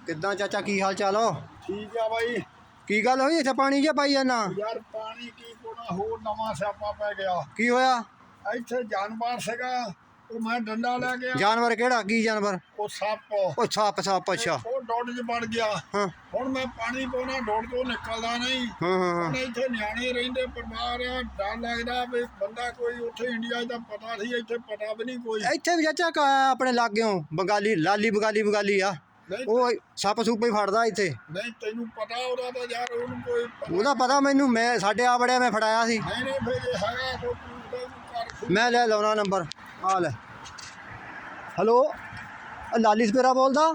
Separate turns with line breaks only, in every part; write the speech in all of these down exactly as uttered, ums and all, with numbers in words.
ਕਿੱਦਾਂ ਚਾਚਾ ਕੀ ਹਾਲ ਚਾਲ ਹੋ?
ਠੀਕ ਆ ਬਾਈ।
ਕੀ ਗੱਲ ਹੋਈ ਇੱਥੇ ਪਾਣੀ ਜਿਹਾ ਪਾਈ ਜਾਂਦਾ?
ਯਾਰ ਪਾਣੀ ਕੀ ਕੋਣਾ ਹੋਰ ਨਵਾਂ ਸਿਆਪਾ ਪੈ ਗਿਆ।
ਕੀ ਹੋਇਆ?
ਇੱਥੇ ਜਾਨਵਰ ਸੀਗਾ, ਉਹ ਮੈਂ ਡੰਡਾ ਲੈ ਗਿਆ।
ਜਾਨਵਰ ਕਿਹੜਾ? ਕੀ ਜਾਨਵਰ?
ਉਹ ਸੱਪ।
ਉਹ ਸੱਪ ਸੱਪ ਅੱਛਾ।
ਉਹ ਡੋਡ 'ਚ ਵੜ ਗਿਆ।
ਹਾਂ
ਹੁਣ ਮੈਂ ਪਾਣੀ ਪਾਉਣਾ, ਡੋਡ ਤੋਂ ਨਿਕਲਦਾ ਨਹੀਂ।
ਹਾਂ ਹਾਂ
ਹੁਣ ਇੱਥੇ ਨਿਆਣੇ ਰਹਿੰਦੇ, ਪਰਿਵਾਰ ਆ, ਡਰ ਲੱਗਦਾ ਵੀ ਬੰਦਾ ਕੋਈ ਉੱਥੇ ਇੰਡੀਆ ਦਾ ਪਤਾ ਸੀ, ਇੱਥੇ ਪਤਾ ਵੀ ਨਹੀਂ ਕੋਈ।
ਇੱਥੇ ਵੀ ਚਾਚਾ ਕ- ਆਪਣੇ ਲਾਗਿਓਂ ਬੰਗਾਲੀ ਲਾਲੀ ਬੰਗਾਲੀ ਬੰਗਾਲੀ ਆ,
ਨਹੀਂ
ਉਹ ਸੱਪ ਸੁੱਪ ਹੀ ਫੜਦਾ ਇੱਥੇ।
ਨਹੀਂ ਤੈਨੂੰ ਪਤਾ ਉਹਦਾ ਤਾਂ ਯਾਰ, ਉਹਨੂੰ ਕੋਈ ਪਤਾ
ਉਹਦਾ ਪਤਾ ਮੈਨੂੰ, ਮੈਂ ਸਾਡੇ ਆ ਬੜਿਆ ਮੈਂ ਫੜਾਇਆ ਸੀ।
ਨਹੀਂ। ਨਹੀਂ ਫਿਰ ਇਹ ਹੈਗਾ ਕੋਈ ਪੁੱਛਦਾ ਕਰ।
ਮੈਂ ਲੈ ਲਾਉਣਾ ਨੰਬਰ ਆ ਲੈ। ਹੈਲੋ ਲਾਲੀ ਸਪੇਰਾ ਬੋਲਦਾ?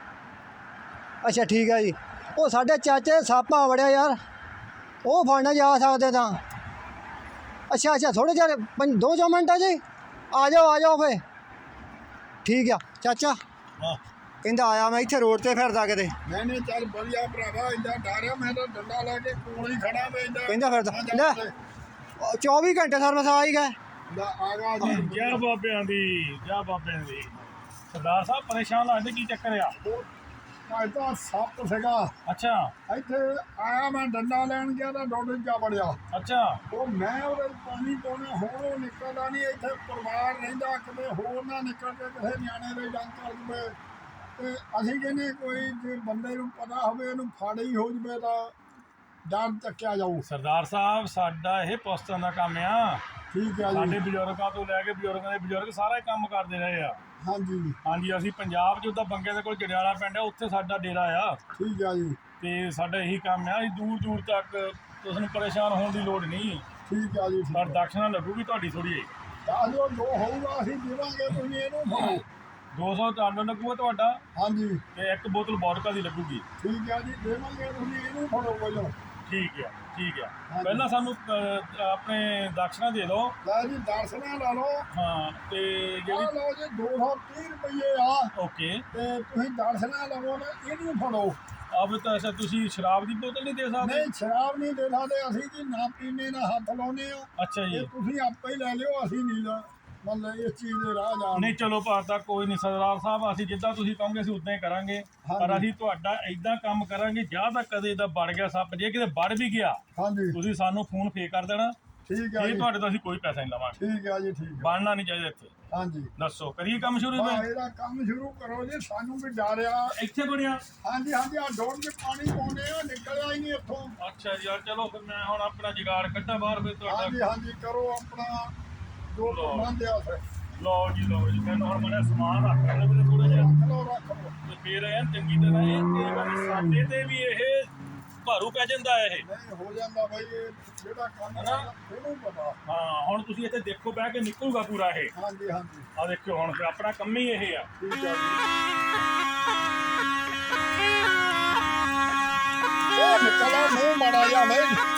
ਅੱਛਾ ਠੀਕ ਹੈ ਜੀ। ਉਹ ਸਾਡੇ ਚਾਚੇ ਸੱਪ ਆ ਵੜਿਆ ਯਾਰ, ਉਹ ਫੜਨਾ ਜਾ ਸਕਦੇ ਤਾਂ। ਅੱਛਾ ਅੱਛਾ ਥੋੜ੍ਹੇ ਜਿਹੇ ਪੰਜ ਦੋ ਚਾਰ ਮਿੰਟ ਆ ਜੀ, ਆ ਜਾਓ ਆ ਜਾਓ ਫੇ। ਠੀਕ ਆ ਚਾਚਾ।
ਹਾਂ
ਕਹਿੰਦਾ ਆਇਆ ਮੈਂ ਇੱਥੇ ਰੋਡ ਤੇ ਫਿਰਦਾ ਕਿਤੇ।
ਨਹੀਂ ਨਹੀਂ ਚੱਲ ਵਧੀਆ ਭਰਾਵਾ, ਇੰਦਾ ਡਰਿਆ ਮੈਂ ਤਾਂ ਡੰਡਾ ਲੈ ਕੇ ਕੋਲ ਹੀ ਖੜਾ ਵੇ।
ਕਹਿੰਦਾ ਫਿਰਦਾ ਲੈ ਚੌਵੀ ਘੰਟੇ ਸਰਵਿਸ ਆ ਹੀ ਗਏ।
ਆ ਗਿਆ ਜੀ।
ਜੈ ਬਾਬਿਆਂ ਦੀ, ਜੈ ਬਾਬਿਆਂ ਦੀ। ਸਰਦਾਰ ਸਾਹਿਬ ਪਰੇਸ਼ਾਨ ਲੱਗਦੇ, ਕੀ ਚੱਕਰ ਆ?
ਮੈਂ ਤਾਂ ਸੱਪ ਸੀਗਾ
ਅੱਛਾ
ਇੱਥੇ ਆਇਆ, ਮੈਂ ਡੰਡਾ ਲੈਣ ਗਿਆ ਤਾਂ ਡੋਡੇ ਜਾ ਵੜਿਆ।
ਅੱਛਾ
ਉਹ ਮੈਂ ਉਹਦੇ ਪਾਣੀ ਪਾਉਣਾ, ਹੋਰ ਉਹ ਨਿਕਲਦਾ ਨਹੀਂ। ਇੱਥੇ ਪਰਿਵਾਰ ਰਹਿੰਦਾ, ਕਿਤੇ ਹੋਰ ਨਾ ਨਿਕਲ ਕੇ ਕਿਸੇ ਨਿਆਣੇ ਦੇ ਜੰਗ ਕਰ ਜਵੇ। ਤੇ ਅਸੀਂ ਕਹਿੰਦੇ ਕੋਈ ਜੇ ਬੰਦੇ ਨੂੰ ਪਤਾ ਹੋਵੇ ਇਹਨੂੰ ਫੜ ਹੀ ਹੋ ਜਵੇ ਤਾਂ ਡਰ ਚੱਕਿਆ ਜਾਊ।
ਸਰਦਾਰ ਸਾਹਿਬ ਸਾਡਾ ਇਹ ਪੁਸਤਾਂ ਦਾ ਕੰਮ ਆ।
ਠੀਕ ਹੈ
ਸਾਡੇ
ਜੀ।
ਬਜ਼ੁਰਗਾਂ ਤੋਂ ਲੈ ਕੇ ਬਜ਼ੁਰਗਾਂ ਦੇ ਬਜ਼ੁਰਗ ਸਾਰਾ ਹੀ ਕੰਮ ਕਰਦੇ ਰਹੇ ਆ।
ਹਾਂਜੀ
ਹਾਂਜੀ ਅਸੀਂ ਪੰਜਾਬ 'ਚ ਉੱਦਾਂ ਬੰਗੇ ਦੇ ਕੋਲ ਜੜਿਆਲਾ ਪਿੰਡ ਆ, ਉੱਥੇ ਸਾਡਾ ਡੇਰਾ ਆ।
ਠੀਕ ਹੈ ਜੀ।
ਤੇ ਸਾਡਾ ਇਹੀ ਕੰਮ ਆ, ਅਸੀਂ ਦੂਰ ਦੂਰ ਤੱਕ ਤੁਹਾਨੂੰ ਪਰੇਸ਼ਾਨ ਹੋਣ ਦੀ ਲੋੜ ਨਹੀਂ।
ਠੀਕ ਹੈ ਜੀ।
ਪਰ ਦਕਸ਼ਨਾ ਲੱਗੂਗੀ ਤੁਹਾਡੀ ਥੋੜੀ ਜਿਹੀ।
ਤਾਂ ਜੋ ਜੋ ਹੋਊਗਾ ਅਸੀਂ ਦੇਵਾਂਗੇ, ਤੁਸੀਂ ਇਹਨੂੰ ਫੜੋ।
ਦੋ ਸੌ ਟਨ ਲੱਗੂਗਾ ਤੁਹਾਡਾ,
ਹਾਂਜੀ
ਤੇ ਇੱਕ ਬੋਤਲ ਵੋਡਕਾ ਦੀ ਲੱਗੂਗੀ।
ਠੀਕ ਹੈ ਜੀ, ਦੇਵਾਂਗੇ, ਤੁਸੀਂ ਇਹਨੂੰ ਫੜੋ ਪਹਿਲਾਂ।
ਠੀਕ ਆ ਠੀਕ ਆ।
ਹਾਂਜੀ।
ਪਹਿਲਾਂ ਸਾਨੂੰ ਅ, ਆਪਣੇ ਦਕਸ਼ਨਾ ਦੇ ਦਿਓ।
ਲੈ ਜੀ ਦਰਸ਼ਨਾ ਲਾ ਲਓ।
ਹਾਂ ਤੇ
ਆ
ਜਿਹੜੀ
ਲਓ ਜੀ ਦੋ ਸੌ ਤੀਹ ਰੁਪਏ ਆ।
ਓਕੇ
ਤੇ ਤੁਸੀਂ ਦਰਸ਼ਨਾ ਲਵੋ ਨਾ, ਇਹਨੂੰ ਫੜੋ।
ਅਬ ਤਾਂ ਅੱਛਾ ਤੁਸੀਂ ਸ਼ਰਾਬ ਦੀ ਬੋਤਲ ਨਹੀਂ ਦੇ ਸਕਦੇ?
ਨਹੀਂ ਸ਼ਰਾਬ ਨਹੀਂ ਦੇ ਸਕਦੇ ਅਸੀਂ ਜੀ, ਨਾ ਪੀਣੇ ਨਾ ਹੱਥ ਲਾਉਣੇ ਆ।
ਅੱਛਾ ਜੀ।
ਇਹ ਤੁਸੀਂ ਆਪੇ ਹੀ ਲੈ ਲਿਓ, ਅਸੀਂ ਨਹੀਂ ਲਾ ਮਤਲਬ ਇਸ ਚੀਜ਼ ਦੇ ਰਾਹ ਜਾਣ।
ਨਹੀਂ ਚਲੋ ਭਾਰਤਾ ਕੋਈ ਨਹੀਂ ਸਰਦਾਰ ਸਾਹਿਬ, ਅਸੀਂ ਜਿੱਦਾਂ ਤੁਸੀਂ ਕਹੋਗੇ ਅਸੀਂ ਉਦਾਂ ਹੀ ਕਰਾਂਗੇ। ਪਰ
ਹਾਂਜੀ।
ਅਸੀਂ ਤੁਹਾਡਾ ਇਦਾਂ ਕੰਮ ਕਰਾਂਗੇ, ਜਾਂ ਤਾਂ ਕਦੇ ਦਾ ਵੜ ਗਿਆ ਸੱਪ, ਜੇ ਕਿਤੇ ਵੜ ਵੀ ਗਿਆ
ਹਾਂਜੀ
ਤੁਸੀਂ ਸਾਨੂੰ ਫੋਨ ਫੇ ਕਰ ਦੇਣਾ।
ਠੀਕ ਹੈ
ਇਹ
ਜੀ।
ਤੁਹਾਡੇ ਤੋਂ ਅਸੀਂ ਕੋਈ ਪੈਸਾ ਨਹੀਂ ਲਵਾਂਗੇ।
ਠੀਕ ਹੈ ਜੀ। ਠੀਕ ਹੈ।
ਬਣਨਾ ਨਹੀਂ ਚਾਹੀਦਾ ਇੱਥੇ।
ਹਾਂਜੀ
ਦੱਸੋ ਕਰੀਏ ਕੰਮ ਸ਼ੁਰੂ?
ਹਾਂ
ਮੈਂ
ਇਹਦਾ ਕੰਮ ਸ਼ੁਰੂ ਕਰੋ ਜੀ, ਸਾਨੂੰ ਵੀ ਡਰ ਆ।
ਇੱਥੇ ਬਣਿਆ।
ਹਾਂਜੀ ਹਾਂਜੀ ਆ ਡੋਰ 'ਚ ਪਾਣੀ ਪਾਉਂਦੇ ਆ, ਨਿਕਲਿਆ ਹੀ ਨਹੀਂ ਇੱਥੋਂ।
ਅੱਛਾ ਜੀ ਯਾਰ, ਚਲੋ ਫਿਰ ਮੈਂ ਹੁਣ ਆਪਣਾ ਜੁਗਾੜ ਕੱਢਾਂ ਬਾਹਰ, ਫਿਰ ਤੁਹਾਡਾ।
ਹਾਂਜੀ ਹਾਂਜੀ ਕਰੋ ਆਪਣਾ ਜੋ ਪ੍ਰਬੰਧ ਆ ਫਿਰ।
ਲਓ ਜੀ ਲਓ ਜੀ, ਮੈਨੂੰ ਹੁਣ ਮਨੇ ਸਮਾਨ ਰੱਖ ਲੈਣੇ ਮੇਰੇ ਥੋੜਾ ਜਿਹਾ,
ਰੱਖ ਲਓ ਰੱਖ ਲਓ।
ਤੇ ਫਿਰ ਐਨ ਚੰਗੀ ਤਰ੍ਹਾਂ ਇਹ ਤੇ ਬਾਕੀ ਸਾਡੇ ਤੇ ਵੀ ਇਹ ਭਾਰੂ ਪੈ ਜਾਂਦਾ ਇਹ।
ਨਹੀਂ ਹੋ ਜਾਂਦਾ ਬਾਈ, ਇਹ ਜਿਹੜਾ ਕੰਮ
ਹਨਾ?
ਆ ਇਹਨੂੰ ਪਤਾ।
ਹਾਂ ਹੁਣ ਤੁਸੀਂ ਇੱਥੇ ਦੇਖੋ, ਬਹਿ ਕੇ ਨਿਕਲੂਗਾ ਪੂਰਾ ਇਹ।
ਹਾਂਜੀ ਹਾਂਜੀ
ਆ ਦੇਖਿਓ ਹੁਣ ਫਿਰ ਆਪਣਾ ਕੰਮ ਹੀ ਇਹ ਆ।
ਠੀਕ ਹੈ ਜੀ। ਉਹ ਨਿਕਲਿਆ ਮੂੰਹ ਮਾੜਾ ਜਿਹਾ ਬਾਈ।